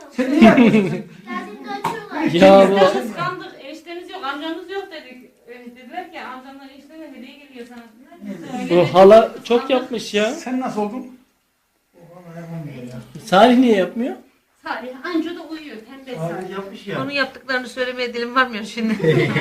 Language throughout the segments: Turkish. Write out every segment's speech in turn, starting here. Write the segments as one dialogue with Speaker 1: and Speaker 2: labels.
Speaker 1: Sen niye yapıyorsun?
Speaker 2: Ya bu
Speaker 3: Kıskandık. Enişteniz yok, amcanız yok dedik. Dediler ki amcamlar eniştene hediye geliyor sana. Biz de öyle
Speaker 2: bu hala çok yapmış ya.
Speaker 1: Sen nasıl oldun?
Speaker 2: Salih niye yapmıyor?
Speaker 3: Salih anca da uyuyor. Tembel Salih.
Speaker 4: Yapmış ya.
Speaker 5: Onun yaptıklarını söylemeye dilim varmıyor şimdi.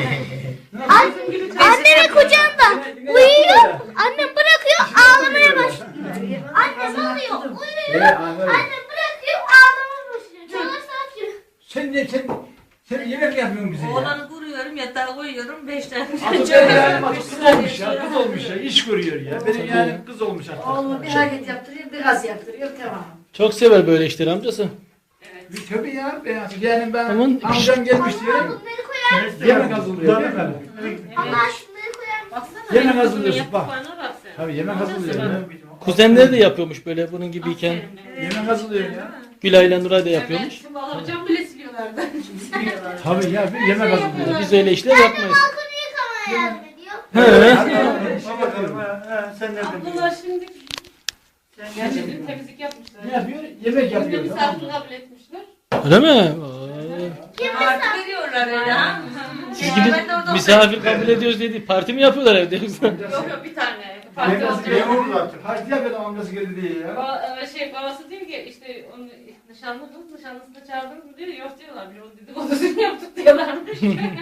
Speaker 6: Annemin kucağında uyuyor. Annem bırakıyor ağlamaya başlıyor. Annem alıyor uyuyor. Annem bırakıyor ağlamaya başlıyor. Çalar saat
Speaker 1: Sen yemek mi yapıyorsun bize ya?
Speaker 5: Oğlanı kuruyorum, yatağa koyuyorum, 5 tane
Speaker 1: Artık benim yani kız olmuş ya, kız olmuş ya, iş görüyor ya. Benim yani kız olmuş artık.
Speaker 7: Oğlum bir hareket yaptırıyor, biraz yaptırıyor, tamam.
Speaker 2: Çok sever böyle işleri amcası.
Speaker 1: Tabii ya, yani ben
Speaker 2: Aman.
Speaker 1: amcam gelmiş diye
Speaker 6: bunları koyar mısın?
Speaker 1: yemek hazırlıyor değil mi?
Speaker 6: Allah şunları koyar mısın?
Speaker 3: Baksana.
Speaker 1: Yemek
Speaker 3: anne,
Speaker 1: hazırlıyorsun,
Speaker 3: bunun
Speaker 1: bak.
Speaker 3: yaptıklarına bak sen.
Speaker 1: Tabii yemek hazırlıyor ya.
Speaker 2: Kuzenleri de yapıyormuş böyle bunun gibiyken.
Speaker 3: Aferin be.
Speaker 1: Yemek hazırlıyor ya.
Speaker 2: Gülay ile Nuray da yapıyormuş.
Speaker 3: Evet, şimdi alacağım bile siliyorlardı.
Speaker 1: Tabii ya, bir yemek hazırlıyor.
Speaker 2: Biz öyle işler yapmayız.
Speaker 6: Balkonu yıkamaya yardım ediyor.
Speaker 4: Bak bakalım ha. Sen nereden
Speaker 3: Ablalar
Speaker 4: biliyorsun?
Speaker 3: şimdi
Speaker 4: Sen
Speaker 3: yani
Speaker 4: nereden
Speaker 3: dün
Speaker 4: biliyorsun?
Speaker 3: temizlik yapmışlar.
Speaker 1: Ne yapıyor? Yemek
Speaker 3: Bugün
Speaker 1: yapıyor.
Speaker 3: misafir kabul etmişler.
Speaker 2: Öyle mi?
Speaker 5: Parti veriyorlar öyle ha.
Speaker 2: Siz gidip misafir kabul ediyoruz dedi. Parti mi yapıyorlar evde yoksa?
Speaker 3: Yok yok bir tane. Parti
Speaker 1: Babası
Speaker 3: olacak.
Speaker 1: memur artık. Hacı yapıyor amcası geldi diye ya.
Speaker 3: Babası diyor ki işte onu nişanlı kız nişanlısını çağırdınız mı diyor. Yok diyorlar. Bir o dedikodusunu yaptık diyorlarmış.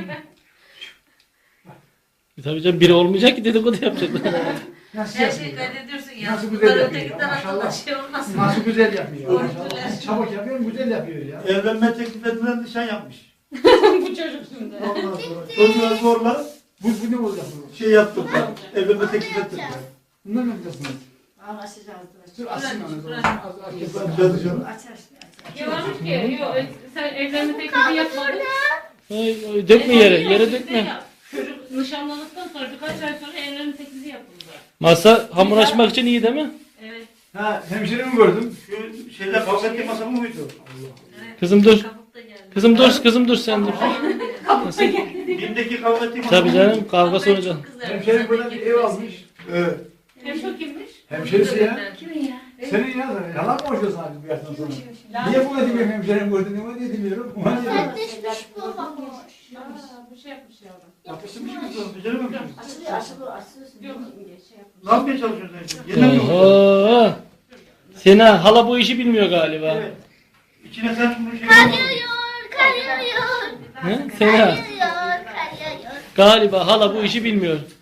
Speaker 2: Tabii canım biri olmayacak ki dedikodu yapacaklar.
Speaker 1: Nasıl
Speaker 5: Her şeyi
Speaker 1: yapıyor?
Speaker 5: kaydediyorsun ya.
Speaker 1: Nasıl güzel
Speaker 5: Bunlar
Speaker 1: yapıyor
Speaker 5: ötekinden
Speaker 1: ya,
Speaker 5: aklına
Speaker 1: maşallah.
Speaker 5: şey olmasın.
Speaker 1: Nasıl güzel yapıyor.
Speaker 5: Görüntüler.
Speaker 1: Maşallah. Çabuk yapıyor, güzel yapıyor ya.
Speaker 4: Evlenme teklif edilen nişan yapmış.
Speaker 3: Bu çocuk şimdi.
Speaker 4: Ondan sonra çocuğa zorla
Speaker 1: Bu ne olacak bu?
Speaker 4: şey yaptılar. Evlenme teklif ettiler.
Speaker 1: Bunlar ne yapacaksınız?
Speaker 7: Anlaşacağız.
Speaker 1: Dur açsın onu.
Speaker 4: Cadı canım.
Speaker 7: Aç aç.
Speaker 3: Ya varmış ki yok sen evlenme teklifi yapmadın.
Speaker 2: Ay, ay, dökme yere dökme.
Speaker 3: Çocuk nişanlandıktan sonra birkaç ay sonra evlenme teklifi yapıldı.
Speaker 2: Masa hamur açmak için iyi değil mi?
Speaker 3: Evet.
Speaker 1: Ha, hemşerimi gördüm.
Speaker 4: Şu şeyler kavga ettiği masa mı buydu?
Speaker 2: Kızım dur.
Speaker 5: Kabuk da geldi.
Speaker 2: Kızım dur sen dur.
Speaker 4: Bim'deki kavga ettiği masa
Speaker 2: Tabii
Speaker 4: mı
Speaker 2: canım kavga sonucu.
Speaker 1: Hemşerim burada bir ev almış.
Speaker 4: Evet.
Speaker 3: Hem çok kimmiş?
Speaker 1: Hemşerisi ya.
Speaker 7: Kimin ya?
Speaker 1: Senin ya da yalan mı konuşuyorsun abi bu yaştan sonra? Niye bu demiyorum hemşerim gördüm, niye demiyorum? Ulan diyorum.
Speaker 6: Sertleşmiş bu olmamış.
Speaker 3: Bir şey yapmış yavrum.
Speaker 1: Yapıştırmış mı kızım?
Speaker 4: Beceremem mi?
Speaker 7: Açılıyor, açılıyor, açılıyor.
Speaker 3: Yok şey yapmış.
Speaker 4: Ne yapmaya çalışıyorsun sen şimdi? Yemek mi oldu?
Speaker 2: Oho. Sena hala bu işi bilmiyor galiba.
Speaker 4: Evet. İçine sen bunu şey
Speaker 6: Kar
Speaker 4: yapmadın.
Speaker 6: yağıyor, kar yağıyor.
Speaker 2: He? Sena
Speaker 6: Kar yağıyor, kar yağıyor.
Speaker 2: galiba hala bu işi bilmiyor.